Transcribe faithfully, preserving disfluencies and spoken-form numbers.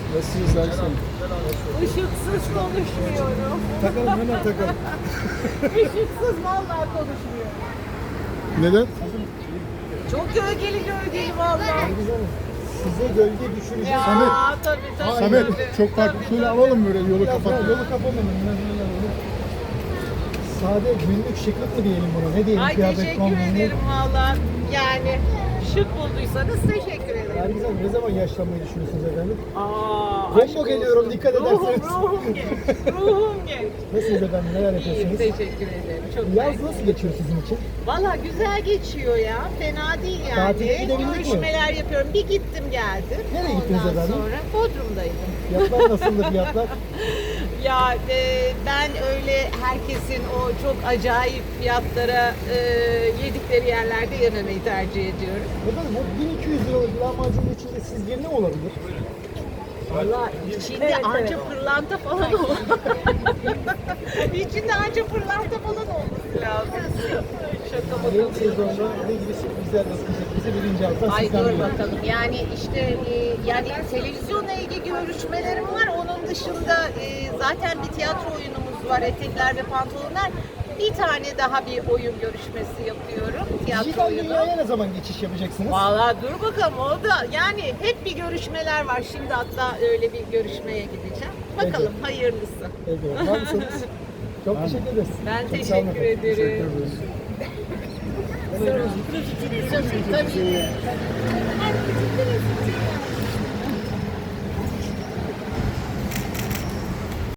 Nasılsınız Ersin? Işıksız konuşmuyorum. Takalım hemen takalım. Işıksız vallahi konuşmuyorum. Neden? Çok gölgeli gölgeli vallahi. Size gölge düşürecek. Ya Samet. tabii tabii. Samet tabii. çok farklı. Tabii, Şöyle tabii. alalım böyle yolu Biraz kapatalım. daha yolu kapatalım. Sade günlük şıklık mı diyelim buna? Ne diyelim? Ay Kıyafet teşekkür kombini. ederim valla. Yani şık bulduysanız teşekkür ederim. Nergiz Hanım ne zaman yaşlanmayı düşünüyorsunuz efendim? Aa, Combo aşk olsun. geliyorum, dikkat ruhum, ederseniz. Ruhum genç. Ruhum genç. Nasılsınız efendim? Neler İyiyim yapıyorsunuz? teşekkür ederim. Çok Yaz mersi. nasıl geçiyor sizin için? Valla güzel geçiyor ya. Fena değil yani. Tatile gidebildik mi? Görüşmeler yapıyorum. Bir gittim geldim. Nereye gittiniz Ondan efendim? sonra Bodrum'daydım. Fiyatlar nasıldı fiyatlar? Ya e, ben öyle herkesin o çok acayip fiyatlara e, yedikleri yerlerde yememeyi tercih ediyorum. Efendim o bin iki yüz liralık lahmacunun içinde sizce ne olabilir? Valla içinde anca pırlanta falan olur. İçinde anca pırlanta falan olması lazım. Şaka Yeni bakalım. sezonda ne gibi sürprizler bekleyecek bizi birinci hafta Ay sizden dur duyalım. bakalım. Yani işte e, yani televizyonla ilgili görüşmelerim var. Onun dışında e, zaten bir tiyatro oyunumuz var. Etekler ve Pantolonlar. Bir tane daha bir oyun görüşmesi yapıyorum. Tiyatro Dijital oyunu. dünyaya ne zaman geçiş yapacaksınız? Valla dur bakalım o da yani hep bir görüşmeler var. Şimdi hatta öyle bir görüşmeye gideceğim. Bakalım hayırlısı. Evet, var mısınız? Çok teşekkür ederiz. Ben Çok sağ olun teşekkür efendim. ederim. Teşekkür ederiz. Tabii.